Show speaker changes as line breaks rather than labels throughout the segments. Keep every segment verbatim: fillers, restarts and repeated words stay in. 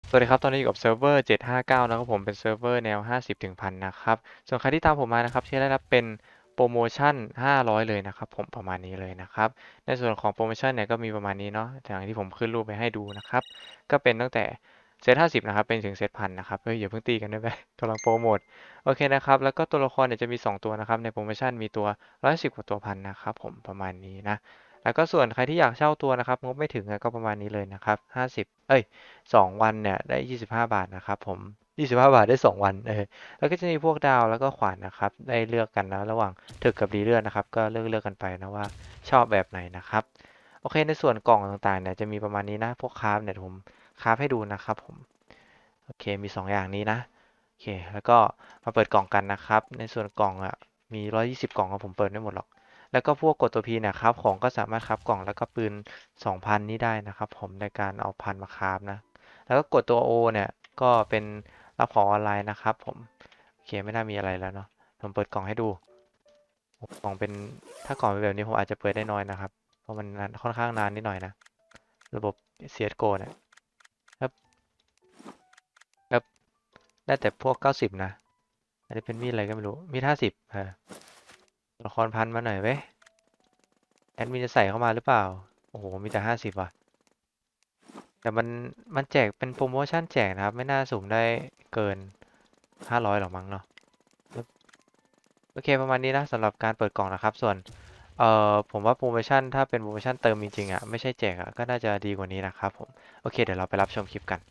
สวัสดีครับตอนนี้อยู่กับเซิร์ฟเวอร์เจ็ดห้าเก้านะครับผมเป็นเซิร์ฟเวอร์แนวห้าสิบถึงพันนะครับส่วนใครที่ตามผมมานะครับที่ได้รับเป็นโปรโมชั่นห้าร้อยเลยนะครับผมประมาณนี้เลยนะครับในส่วนของโปรโมชั่นเนี่ยก็มีประมาณนี้เนาะอย่างที่ผมขึ้นรูปไปให้ดูนะครับก็เป็นตั้งแต่เซตห้าสิบนะครับเป็นถึงเซตพันนะครับเฮ้ยอย่าเพิ่งตีกันได้ไหมกำลังโปรโมทโอเคนะครับแล้วก็ตัวละครเนี่ยจะมีสองตัวนะครับในโปรโมชั่นมีตัวร้อยสิบกว่าตัวพันนะครับผมประมาณนี้นะแล้วก็ส่วนใครที่อยากเช่าตัวนะครับงบไม่ถึงก็ประมาณนี้เลยนะครับห้าสิบเอ้ย สองวันเนี่ยได้ยี่สิบห้าบาทนะครับผมยี่สิบห้าบาทได้สองวันเออแล้วก็จะมีพวกดาวแล้วก็ขวานนะครับได้เลือกกันนะระหว่างถึกกับดีเลือดนะครับก็เลือกเลือกกันไปนะว่าชอบแบบไหนนะครับโอเคในส่วนกล่องต่างๆเนี่ยจะมีประมาณนี้นะพวกคราฟเนี่ยผมคราฟให้ดูนะครับผมโอเคมีสองอย่างนี้นะโอเคแล้วก็มาเปิดกล่องกันนะครับในส่วนกล่องอ่ะมีร้อยยี่สิบกล่องครับผมเปิดไม่หมดหรอกแล้วก็พวกกดตัวพีเนี่ยครับของก็สามารถคราฟกล่องแล้วก็ปืนสองพันนี้ได้นะครับผมในการเอาพันมาคราฟนะ แล้วก็กดตัว O เนี่ยก็เป็นรับของออนไลน์นะครับผมโอเคไม่น่ามีอะไรแล้วเนาะผมเปิดกล่องให้ดูกล่องเป็นถ้ากล่องเป็นแบบนี้ผมอาจจะเปิดได้น้อยนะครับเพราะมันนานค่อนข้างนานนิดหน่อยนะระบบ ซี เอส จี โอ เนี่ยครับครับได้แต่พวกเก้าสิบนะอันนี้เป็นมีดอะไรก็ไม่รู้มีดห้าสิบเออตัวละครพันมาหน่อยเว้ยแอดมินจะใส่เข้ามาหรือเปล่าโอ้โหมีแต่ห้าสิบว่ะแต่มันมันแจกเป็นโปรโมชั่นแจกนะครับไม่น่าสุ่มได้เกินห้าร้อยหรอกมั้งเนาะ โอเคประมาณนี้นะสำหรับการเปิดกล่องนะครับส่วนเอ่อผมว่าโปรโมชั่นถ้าเป็นโปรโมชั่นเติมจริงๆอ่ะไม่ใช่แจกอ่ะก็น่าจะดีกว่านี้นะครับผมโอเคเดี๋ยวเราไปรับชมคลิปกัน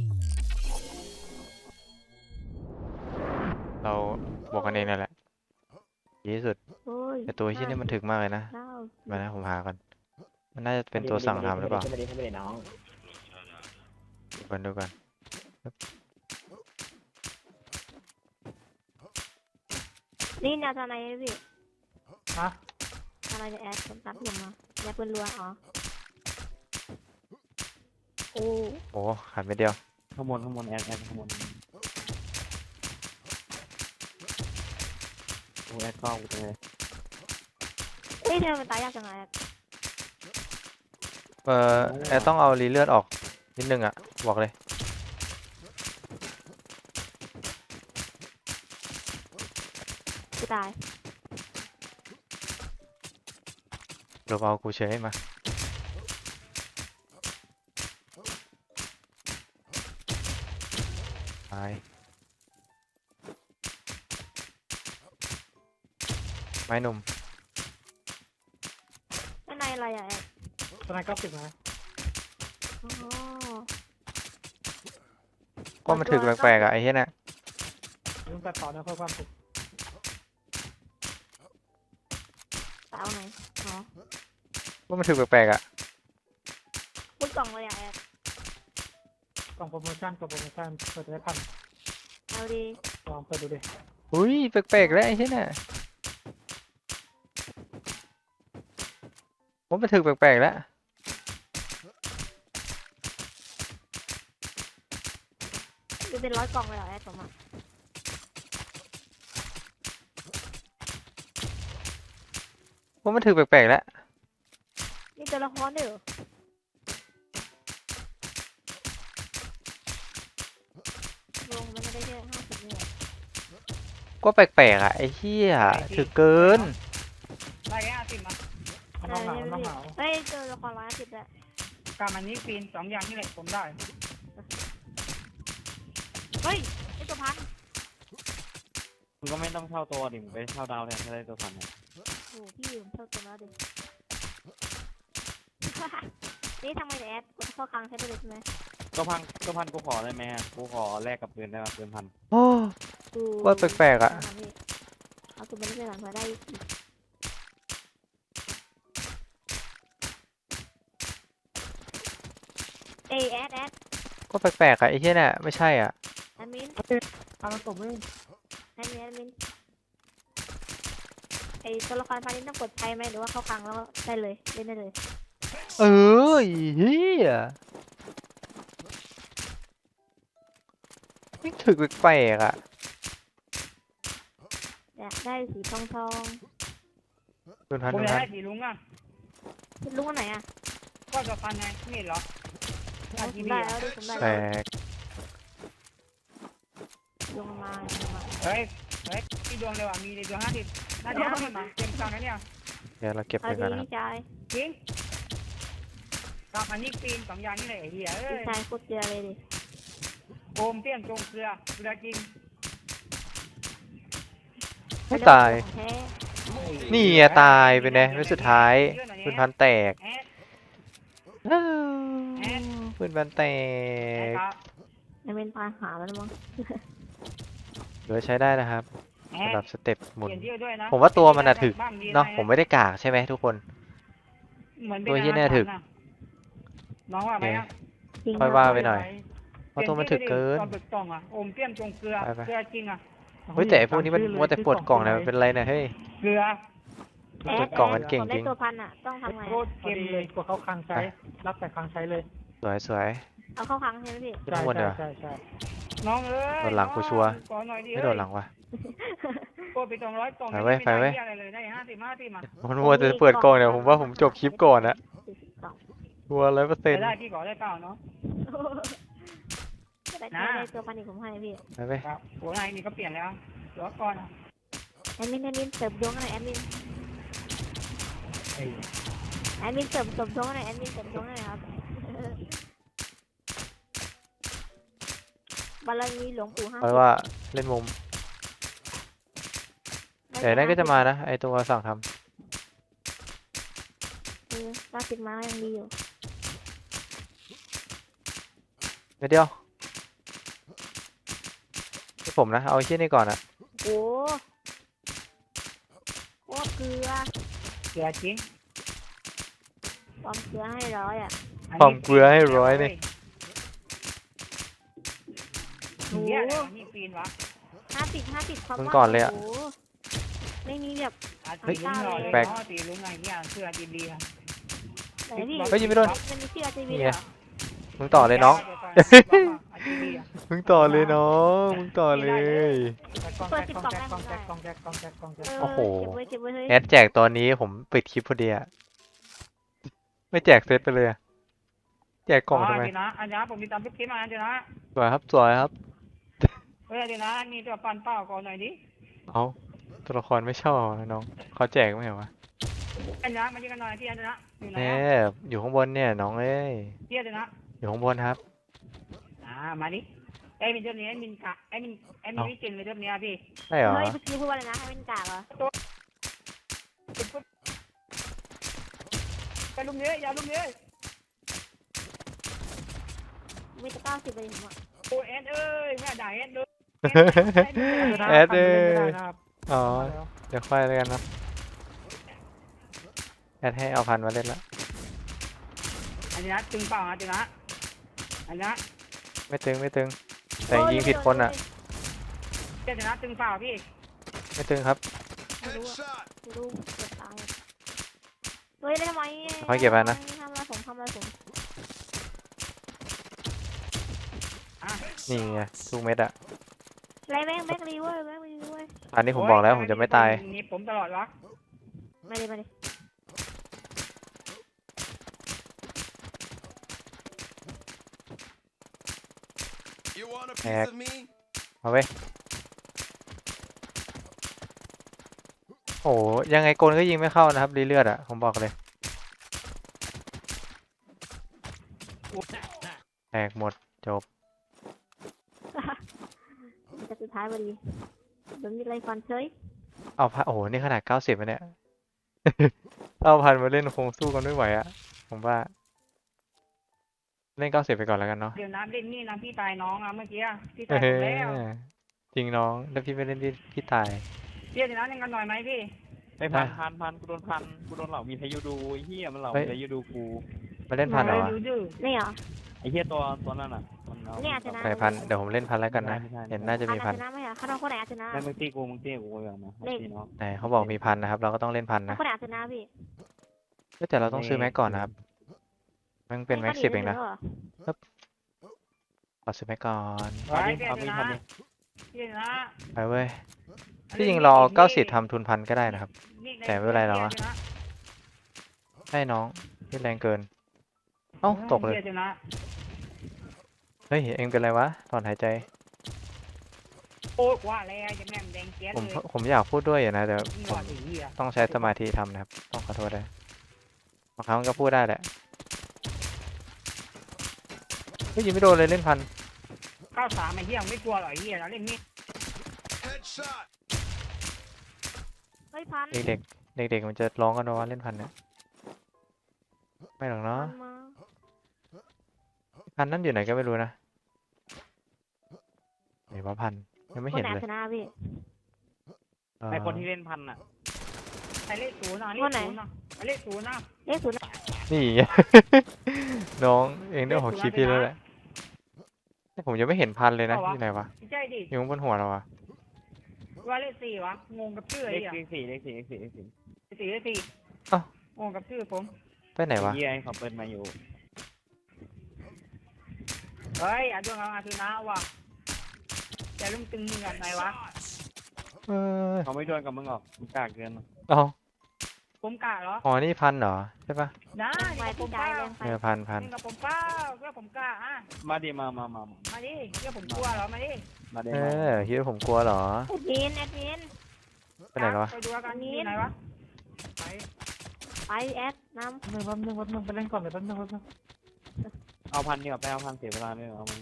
เราบวกกันเองนั่นแหละดีที่สุด
โอ้ย
แต่ตัวที่
ห้า
นี่มัน
สิบ
ถึกมากเลยนะ
เก้าสิ
มา
บ
นะผมหาก่อนมันน่าจะเป็
มาดี
นตัวสั่ง
มาดีมาดีขึ้น
ทำหรือเปล่า
มาดีขึ้นมาดีขึ้นมาดีน้อง
ดูกันดูกัน
นี่แนวทนายพี่
ฮะ
ทนายจะแอดผมตัดผมมาอย่าเพิ่นรัวอ๋อโอ้
โอ้ขาดไปเดียว
ข้างบนข้างบนแอดแอดข้างบนโอ้แอดกล้องกูเลย
เฮ้ยเธอมันตายยากจังไงแอด
เอ่อแอร์ต้องเอารีเลือดออกนิดนึงอ่ะบอกเลย
กูตาย
หรือเอากูเฉยมาตายไม้หนุ่ม
ข้างในอะไรอะแอด
ตอนนั้นเก้าสิบนะ
อ๋อ
ก็มันถึกแปลกๆอ่ะไอ้เหี้ยน่ะ
ลุงตัดต่อนะเพื่อความสุข
ตายเอาไหนอ๋อ
ก็มันถึกแปลกๆอ่ะ
พูดกล่องเลยอะแอด
กล่องโปรโมชั่นกล่องโปรโมชั่นเปิดได้พัน
เอาดี
ลองเปิดดูดิ
อุ้ยแปลกๆแล้วไอ้เหี้ยน่ะผมมันถึกแปลกๆแล้ว
ดูเป็นร้อยกล่องเลยเหรอแอดผมอะ
ผมมันถึกแปลกๆแล้ว
นี่ตัวละครด้วยเหรอลงมันไม่ได้แค่ห้าสิบนี่หรอ
ก็แปลกๆอ่ะไอ้เหี้ยถึกเกิน
ร้อยห้าสิบมา
มัน
เอ
ต้อง
อ
เหมา
ใช่ไหม
ต้อง
พี่
เหมา
เฮ้ยตัวละครร้อยห้าสิบด้วย
การมันนี้ปีนสองอย่างนี่แหละผมได้
เฮ้ยไอตัวพัน
มึงก็ไม่ต้องเช่าตัวดิมึงไปเช่าดาวแทนก็ได้ตัวพันเนี่ย
โอ้พี่ผมเท่าตัวแล้วดิ นี่ทำไมแอดกดเข้าคลังใช้ได้เลยใช่ไหม
ตัวพันตัวพันกูขอได้ไหมกูขอแลกกับปืนได้ไหมปืนพัน
โอ้
ดู
ว่าแปลกๆอ่ะ
เอาตัวนี้ไปหลังมาได้อีกเอยแอดแอด
ก็แปลกๆอ่ะไอ้เหี้ยน่ะไม่ใช่อ่ะ
แอดมิน
ทำมันตบมือ
แอดมินแอดมินไอตัวละครพานี้ต้องกดใช้ไหมหรือว่าเข้าคลังแล้วก็ได้เลยเล่นได้เลย
เออไอ้เหี้ยไม่ถึกแปลกๆอ่ะ
อยากได้สีทองทอง
ดูทัน
ผม
ดู
อยาก
ทัน
ได้สีลุงอ่ะ
คุณลุงอันไหนอ่ะ
ก็จะฟันไงนี่เหรอ
เอา
ที
ผม
วี
ได้
อ่ะ
แล้วดิผมได้
แปล
แล้ว
ก
ลงมาลงมา
เฮ้ยเฮ้ยมีดวงเลยว่ะมีดวงห้าสิบน่าจะห้าสิบมาเต็มกลางนะเนี่ย
เดี๋ยวเราเก็บ
เอา
ไปก่
ดี
อนนะครับ
พี่ชาย
จริงกลับมานี่ปีนสองอย่างนี่เลยไอ้เหี้ยเอ้
พี่
ย
ชายโคตรเกลือเลยดิ
โอมเตี้ยนจงเกลือเกลือจริง
ไม่ตาย
ของแท้
นี่ไงตายไปเนี่ยไม่สุดท้ายปืนพันแตก
แอด
อ้าวปืนพันแต
แอด
ก
ครับ
ไม่เป็นปลาหาแล้วมั้ง
เหลือใช้ได้นะครับ
แอ
สำห
ด
รับสเต็ปหมุน
เปลี่ยนชื่อด้วยนะ
ผมว่าตัวมันอะถึก
บ้างดี
เนาะ
หอย
ผมไม่ได้กากใช่ไหมทุกคน
เหมือนป็
ตัวเหี้ยเนี่ยถึก
อาหารน้องว่าไหมอะ
จริง
ค่อย
นะ
ว่าไปหน่อย เพราะตัวมันถึกเกิน
ตอนเปิดกล่องอ่ะโอมเตี้ยนจงเกลือ
ไปไป
เกลือจริงอ่ะ
เฮ้ยแต่ไอ้พวกนี้มันมัวแต่ปวดกล่องนะมันเป็นไรเนี่ยเฮ้ย
เกลือ
แอ
เปิ
ด
ดกล่องกันเก่ง
ผม
จ
ได้
ริง
ตัวพันอ่ะต้องทำไง
โคตรเค็มเลยกว่าเขาคลังใช้ รับแต่คลังใช้เลย
สวยสวย
เอาเข้าครั้งใช่ไหมพี่
ขึ้นข้างบนเดี๋ยว
ใช่ใช่น้องเอ้ย
โดนหลังกูชัวร์
ขอหน่อยดิ
ไม่โดนหลังวะ
โคตรไปสองร้อยกล่อง
ไปเว้ยไปเว้ย
ม่ด้อะไรเลยได้ห้าสิบห้าสิบมา
มันมัวแต่เปิดกล่องเนี่ยผมว่าผมจบคลิปก่อนนะ
สี่สิบสอง
มัวร้อยเปอร์เซ็น
ไป
ต์
ได้พี่ขอได้เปล่าเนาะ
แต่
นะ
ได้ตัวพันอีกผมให้พี่
ไปไป
ครับโอ้ยนี่ก็เปลี่ยนแล้วรอก่อนอะ
แอดมินแอดมินเสริมดวงหน่อยแอดมิน
ไอ้
แอดมินเสริมเสริมดวงหน่อยแอดมินเสริมดวงหน่อยครับบารมีหลวงปู่ห้า
เพ
สิ
ราะ
บ
ว่าเล่นมุมแต่นั่นก็จะมานะไอตัวสั่งท
เออเก้าสิบมายังดีอยู่
ำไม่เดียวให้ผมนะเอาไอ้เชี่ยนี่ก่อนอะ
โอ้โคตรเกลือ
เกลือจริง
ความเกลือให้ร้อยอ่ะ
น
ควา
นี้
มเกลือให้ร้อยนี่
โอ้
เหี้ยอะไรวะนี่ปีนวะ
ห้าสิบห้าสิบความ
มึง
ว่า
ก่อนเลยอะ
โโหไม่มีแบบ
อา
เฮ้
ตี
ย
ลุ้งหน่อยเลย
แปลก
เนาะตีลุ้งไงเนี่ยเสื้อจีดีอะ
ไหนพี่
เฮ้ยยิงไม่โดน
มันมีชื่ออาจีวี
นี่
เห
ไง
รอ
มึงต่อเลยน้อง
อาจีดีอะ
มึงต่อเลยน้องมึงต่อเลย
กองแจ็คกองแจ็คกองแจ็คกองแจ็คกองแจ็คกองแจ็ค
เออ
โอ้โห
เก็บไว้เก็บไว้เฮ้ย
แอดแจกตอนนี้ผมปิดคลิปพอดีอะไม่แจกเซตไปเลยอะแจกกล่องทำไม
เดี๋ยวนะอันนี้ผมมีตามพิกมาเดี๋ยวนะ
สวยครับสวยครับ
เฮ้ยเดี๋ยวนะมีตัวปั่นเป้าก่อนหน่อยดิ
เอาตัวละครไม่ชอบนะน้องเขาแจกไม่เหรอวะ
อันนี้มายิงกันหน่อยที่อันนี้นะอยู่ไหน
แน่
อะ
อยู่ข้างบนเนี่ยน้องเอ้ย
ที่อันนี้นะ
อยู่ข้างบนครับ
อ่ามาดิไอ้มินเจ้านี้ไอ้มินกะไอ้มินไอ้มินวิจิตรเลยเจ้านี้พี่
ใช่เหรอ
เฮ้ยเมื่อกี้พูดว่าอะไรนะให้เป็นกากเหรอ
ไปลุมเนี้ยอย่าลุมเนี้ย
มีแต่เก้าสิบเลยผมอ่ะ
โอเอสเอ้ยแม่ด่าเอสเลย
แอดเอ้ยอ๋อเดี๋ยวค่อยแล้วกันเนาะแอดให้เอาพันมาเล่นละ
อันนี้นะตึงเปล่านะตึงนะอันนี้นะ
ไม่ตึงไม่ตึง แต่ยิงผิดคนอ่ะ
เจ้านะตึงเปล่าพี่
ไม่ตึงครับ
ไม่รู้อะไม่รู้เก็บตายเฮ้ยได้ทำไม
ค่อยเก็บไปนะ
ทำอะไรผมทำอะไรผม
นี่ไงทุกเม็ดอะ
ไรแม่งแบ็กรีเว้ยแบ็กรีเว้ย
อันนี้ผมบอกแล้วผมจะไม่ตาย
นี่ผมตลอดวะ
มาเลยมาเลย
แอกมาเว้ยโอ้ยังไงกลก็ยิงไม่เข้านะครับรีเลือดอะผมบอกเลยแตกหมดจบ
จะสุดท้ายพอดีโดนมีอะไรฟันเฉย
เอาพันโอ้โหนี่ขนาดเก้าสิบเนี่ย เอาพันมาเล่นคงสู้กันไม่ไหวอะผมว่า เล่นเก้าสิบไปก่อนแล้วกันเนาะ
เดี๋ยวน้ำเล่นนี่น้ำพี่ตายน้องอ่ะเมื่อกี้พี่
เอ
ตายผมแล้ว
อจริงน้องแล้วพี่ไม่เล่นพี่พี่ตาย
เดี๋ยวน้ำเล่นกันหน่อยไหมพี่
ไปพันพันพันกูโดนพันกูโดนเหล่ามีพายุดูไอ้เหี้ยมันเหล่ามีพายุดูกู
มาเล่นพันเหรอวะ
ดูดื้อ
นี่เหรอ
ไอ้เหี้ยตัวตัวนั้นอ่ะมันเอา
เนี่ยชนะ
ไหนพันเดี๋ยวผมเล่นพันแล้วกันนะ
ไม่ใช่
เห็นน่าจะ
อั
มี
น
พั
อาน ชนะไหมอ่ะข้าน้องคนไหนอาชนะ
ไม่มึงตีกูมึงตีกูอย่างนะตีน้อง
ไหนเขาบอกมีพันนะครับ เราก็ต้องเล่นพันนะ
คนไหนอาชนะพี่
เอ้ยแต่เราต้องซื้อแม็กก่อนนะครับมันเป็นแม็กสิบเองนะขอซื้อแม็กก่อน
ไว้
เอาดิ
เดี๋ย
เอา
ว
ดิ
นะ
เอาดิ
เดี๋ยวนะ
ไปเว้ยที่จริงรอเก้าสิบทำทุนพันก็ได้นะครับ แต่ไม่เป็นไรหรอกวะ ให้น้องที่แรงเกิน เอ้าตกเลย
ดี๋วนะ
เฮ้ยเองเป็นไรวะถอนหายใจ
โอ้ยว่าแล้วจะแม่งแดงเจี๊ยด
ผม
เลย
ผมอยากพูดด้วยอยู่นะแต่
มึง
ผ
รอ
ม
ดไอ้เหี้ย
ต้องใช้สมาธิทำนะครับต้องขอโทษด้วยบางครั้งมันก็พูดได้แหละเฮ้ยยิงไม่โดนเลยเล่นพัน
เก้าสามไอ้เหี้ยมึงไม่กลัวหรอไอ้เหี้ยเราเล่นมีด
Headshot.
เฮ้ยพัน
เด็กๆเด็กๆมันจะร้องกันว่าเล่นพันเนี่ยไม่หรอก
พั
เนาะ
นมา
พันนั่นอยู่ไหนก็ไม่รู้นะไหนว่าพันยังไม่
ค
เห็
น
น
ไหน
เลย
ชนะพี่
เอ่อ
ไอคนที่เล่นพันอ่ะ
ไอ้เลขศูนย์อ่ะเล
วั
ข
นไหน
ศูนย์อ่ะไอ้เลขศูนย์อ่ะ
เลขศูนย์
นี่ไง น้องเองได้ออกคลิปพี่แล้วแหละแต่ผมยังไม่เห็นพันเลยนะที่ไหนวะ
ไม่ใช่ดิ
อยู่บนหัวเราอะ
ว่าเลขสี่วะงงกับชื่อไอ้
เลข
เหี้ย
สี่เลขสี่เลขสี่เลขสี่
เลขสี่เลขสี่งงกับชื่อผม
ไปไหนวะ
เยี่ยเขาเปิดมาอยู่
เฮ้ยอาดวงเอาอาทุนะว่ะแต่ลุงตึงมึงกับไหนวะ
เออ
เขาไม่โดนกับมึงหรอกมึงกากเกิน
เอา
ผมกะเหรอ
อ๋อนี่พันเหรอใช่ปะ
นะ
ไป
นี่กับผ
พี่
ม
ใจ
เป้า
แรงไป
เออพันพัน
นี่กับผมเป้าเพื่อผมกะอ่ะ
มาดิมามามา
มาดิเพื่อผมกลัวเหรอมาดิ
มาเด
เอ
มา
อคิดว่าผมกลัวเหรอ
แอดมินแอดมิน
ไปไหนแล้ววะ
ไปดูกันนี่ไหนวะไป
ไปแอดน้
หนึ่งแป๊บนึงแป๊บนึงไปเล่นก่อนเลยแป๊บนึงแป๊บนึงเอาพันดีกว่าไปเอาพันเสียเวลาด้วยเอามึง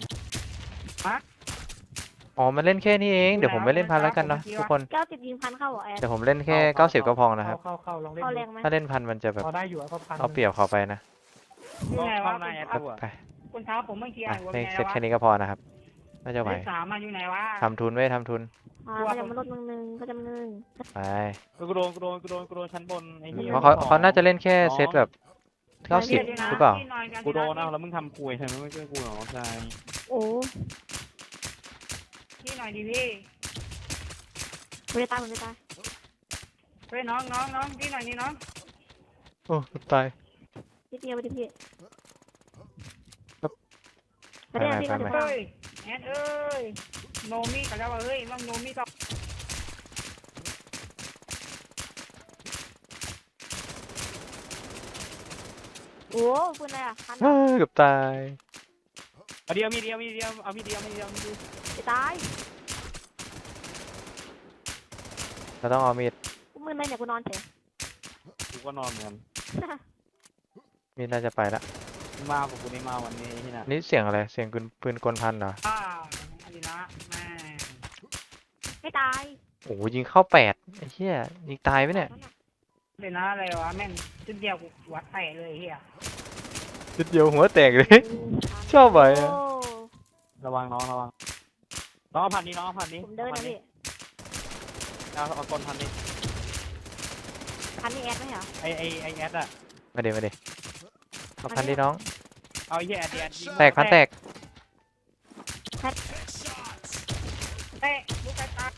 อ๋อมันเล่นแค่นี้เองเดี๋ยวผมไม่เล่นพันแล้วกันเนาะทุกคน
ำเก้าสิบยิงพันเข้าเหรอแอด
เดี๋ยวผมเล่นแค่เก้าสิบก็พอนะครับ
เข้าเข้าลองเล่น
เข้า
ดู
แรงไหม
ถ้าเล่นพันมันจะแบบ
พอได้อยู่อะก็พัน
เอาเปรียบเขาไปนะ
อยู่ไหนวะ
เข้าหน้าแอด
ไป
ดูอ่ะ
ไป
คนเท้าผมเมื่อกี้
อ่ะ
อ่านว่า
เล่น
ไง
เสร็จ
วะ
แค่นี้ก็พอนะครับน่าจะไหว
เลขสามมาอยู่ไหนวะ
ทำทุนไว้ทำทุน
อ่าก็จะมาลดมึงหนึ่งก็จะมึงหนึ่ง
ไป
กูโดนกูโดนกูโดนกูโดนชั้นบนไอ้นี่
เพราะเขาเขาน่าจะเล่นแค่เซตแบบเก้าสิบหรือเปล่า
ที่นอนกัน
กูโดนเอาแล้วมึงทำคุยทำไมไม่ช่วยกูหรอใช่
โอ้
ที่หน่อยดิพี่
ผมจะตายผมจะตาย
เฮ้ยน้องน้องน้องที่หน่อยนี่น้อง
โอ้ตาย
นิดเดียวไปดิพี่
ครับ
ไปเรื่อยพี่
ไป
ก็
ไป
จะ
ไป
ตาย
เฮ้ยแอนเอ้ยโนมิกันแล้วว่าเฮ้ยน้องโนมิก็
โอ้ปืนอะไรอ่ะพัน
เฮ้ยเกือบตาย
เอาเดียวมีเดียวมีเดียวเอามีเดียวมีเดียวมีเดียว
จะตาย
เราต้องเอามีด
กูมือเลยเนี่ยกูนอนเฉย
กูก็นอนเหมือนกัน
มีดน่าจะไปละ
มึงมากับกูนี่มาวันนี้ที่น่ะ
นี่เสียงอะไรเสียงปืนปืนกลพันเหรอ
อ่าอันนี้นะแม่
ไม่ตาย
โอ้โหยิงเข้าแปดไอ้เหี้ยยิงตายไหมเนี่ย
เดี๋ยวนะอะไรวะแม่งชุดเดียวกูหัวแตกเลยเฮีย
จุดเดียวหัวแตกเลย ชอบไหมอะ
โอ้
ระวังน้องระวังน้องเอาพันนี้น้องเอาพันนี้
ผมเดินนะพี่
เอาเอากลพันนี้
พันนี่แอดไหมเหรอ
ไอไอไอแอดอะ
มาเดี๋ยวมาเดี๋ยวเอาพันที่น้อง
เอาไอ้เหี้ยแอดแอดยิง
แตกพันแตก
Headshots.
เตะลูกกระตา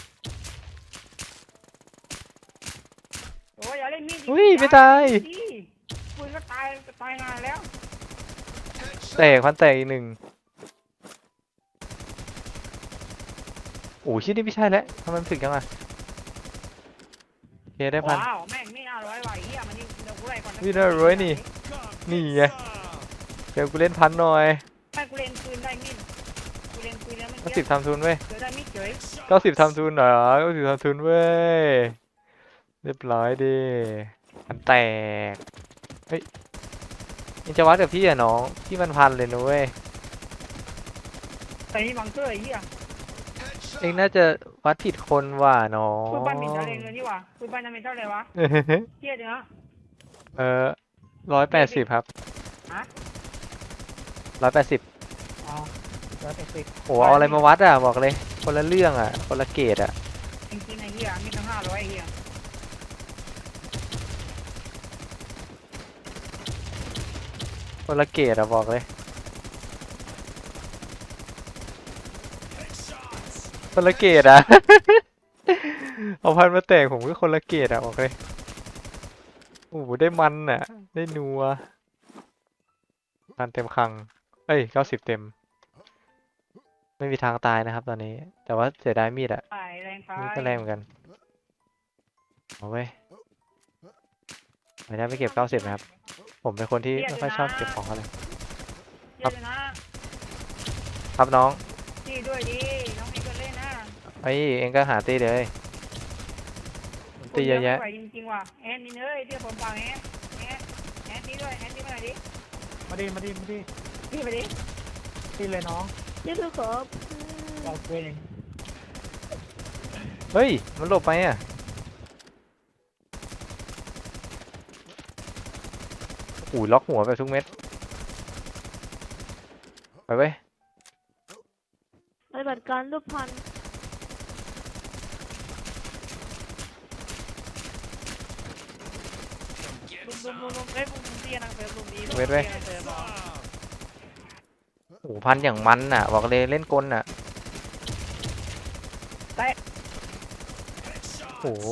โอ้ยอย่าเล่นมีด
อุ้ยไม่ตาย
ดิปืนก็ตายก็ตายนานแล้ว
แตกพันแตกอีกหนึ่งโอ้ยชิ้นนี้ไม่ใช่แล้วทำไมมันถึงยังอ่ะโอเคได้พัน
ว้าวแม่งไม่น่าร้อยว่ะไอ้เฮียมันนี่เดี๋ยวกูไล่ก่อน
ไม่น่าร้อยนี่ นี่ไง เดี๋ยวกูเล่นพันหน่อย
ไม่กูเล่นปืนได้มีดกูเล่นปืนแล้วมัน
เก้าสิบทำทุนเว้ย
เจอได้มีดเฉย
เก้าสิบทำทุนเหรอเก้าสิบทำทุนเว้ยเรียบร้อยดิพันแตกเฮ้ยยังจะวัดกับพี่อ่ะน้องพี่มันพันเลยนะเว้ย
แต่นี่บังเกอร์ไอ้เหี้ย
เองน่าจะวัดผิดคนว่ะน้อง
ปืนบ้านบินเท่าไรเงินนี่วะปืนบ้านนั้นเป็นเท่าไรวะเหี้ยเดี๋ยวนะ
เออร้อยแปดสิบครับ
ฮะ
ร้อยแปดสิบ
อ๋อร้อยแปดสิบ
โอ้เอาอะไรมาวัดอ่ะบอกเลย คนละเรื่องอ่ะ คนละเกรดอ่ะ
จริงๆไอ้เหี้ยมีตั้งห้าร้อยไอ้เหี้ย
คนละเกรดอ่ะบอกเลย คนละเกรดอ่ะ เอาพันมาแตกผมก็คนละเกรดอ่ะบอกเลยโอ้โหได้มันอ่ะ ได้นัวพันเต็มคลังเอ้ยเก้าสิบเต็ม ไม่มีทางตายนะครับตอนนี้ แต่ว่าเสียดายมีดอ่ะ
ไปแรงไป
มีดก็แรงเหมือนกันเอาเว้ยไม่ได้ไม่เก็บเก้าสิบนะครับ ผมเป็นคนที่ไม่ค่อยชอบเก็บของอะไร
เหี้ยเดี๋ยวนะครับ
น้อง
จี้ด้วยดิน้องมีคนเล่นนะ
โไอ้เองก็หาตีเลยตีเยอะแยะ
ไม่ไหวจริงๆว่ะแอนนี่เอ้ยเดี๋ยวผมฟังแอนแอนแอนตีด้วยแอนตีมาหน่อยดิ
มาดิมาดิมาดิ
พี่ไปดิ
ตีเลยน้อง
นี่คือขอ
เราเอง
เฮ้ยมันหลบไปอ่ะโอ้ยล็อกหัวแบบทุกเม็ดไปเว้ย
ปฏิบัติการรูปพัน
ลุมลุมลุมลุมเอ้ยลุมเตี้ยนางเฟิร์มลุมนี้
เว้ยเว้ย
ตี้นางเฟิร์มเหรอ
โอ้โหพันอย่างมันอ่ะบอกเลยเล่นกลอ่ะโอ้โห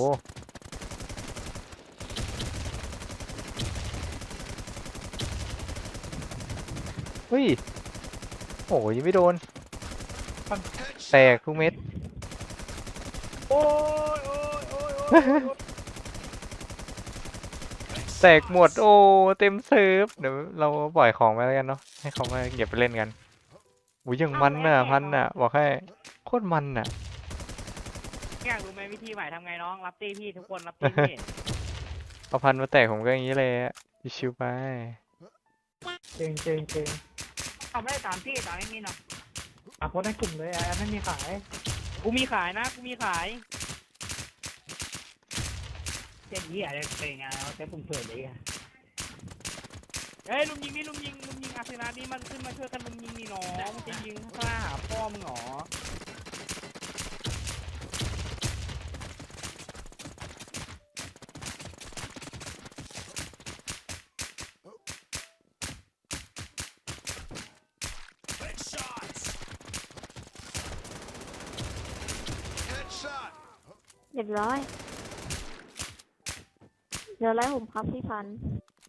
เฮ้ยโอ้ยยังไม่โดนแตก
Headshot.
ทุกเม็ด
โอ้ยโอ้ยโอ้ยโอ้ยโอ้ย
แตกหมดโอ้เต็มเซิร์ฟเดี๋ยวเราปล่อยของไปแล้วกันเนาะให้เขามาเก็บไปเล่นกันอุ้ยยังมันน่ะพันน่ะบอกให้โคตรมันน่ะ
อยากรู้ไหมวิธีใหม่ทำไงน้องรับตีพี่ทุกคนรับตีพี่
เอาพันมาแตกผมก็อย่างนี้เลยอะชิวๆไป
เก่งเก่งเก่ง
เอาไม่ได้ตามพี่ตามไอ้มินหรอก
อ่ะโพสในกลุ่มเลยอ่ะไม่มีขายกูมีขายนะกูมีขาย
เจ็ดยี่อะไรเป็นไงเอาแต่ผมเผื่อเลยอ่ะ
เฮ้ยลุมยิงนี่ลุมยิงลุมยิงอาร์เซนอลนี่มันขึ้นมาช่วยกันลุมยิงนี่น้องมึงจะยิงข้าหาพ่อมึงเหรอ
Headshots. Headshot.
เรียบร้อยเดี๋ยวไล่ผมครับพี่พันธุ์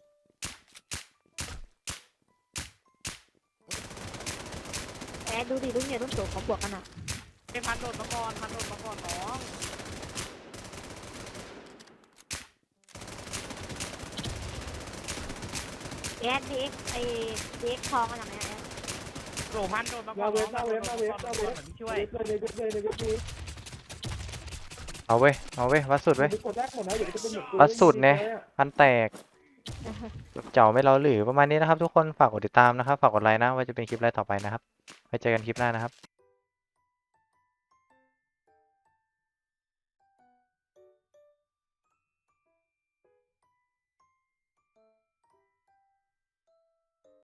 แอดดูดิลูกเนี่ยรุ่นโตเขาบวกกันอ่ะ
ไอ้พันโดดมาก่อนพันโดดมาก่อนน้อง
แอดเด็กไอเด็กทองกันอย่างเนี้ยแอด
โดดพันโดดมาก่อนน้องมาเวฟมาเวฟมาเวฟมาช่วย
เอาเว้ยเอาเว้ยวัดสุดเว้ยวัดสุดเนี่ยพันแตกเจ้าไม่เราหรือประมาณนี้นะครับทุกคนฝากกดติดตามนะครับฝากกดไลค์นะว่าจะเป็นคลิปอะไรต่อไปนะครับไว้เจอกันคลิปหน้านะครับ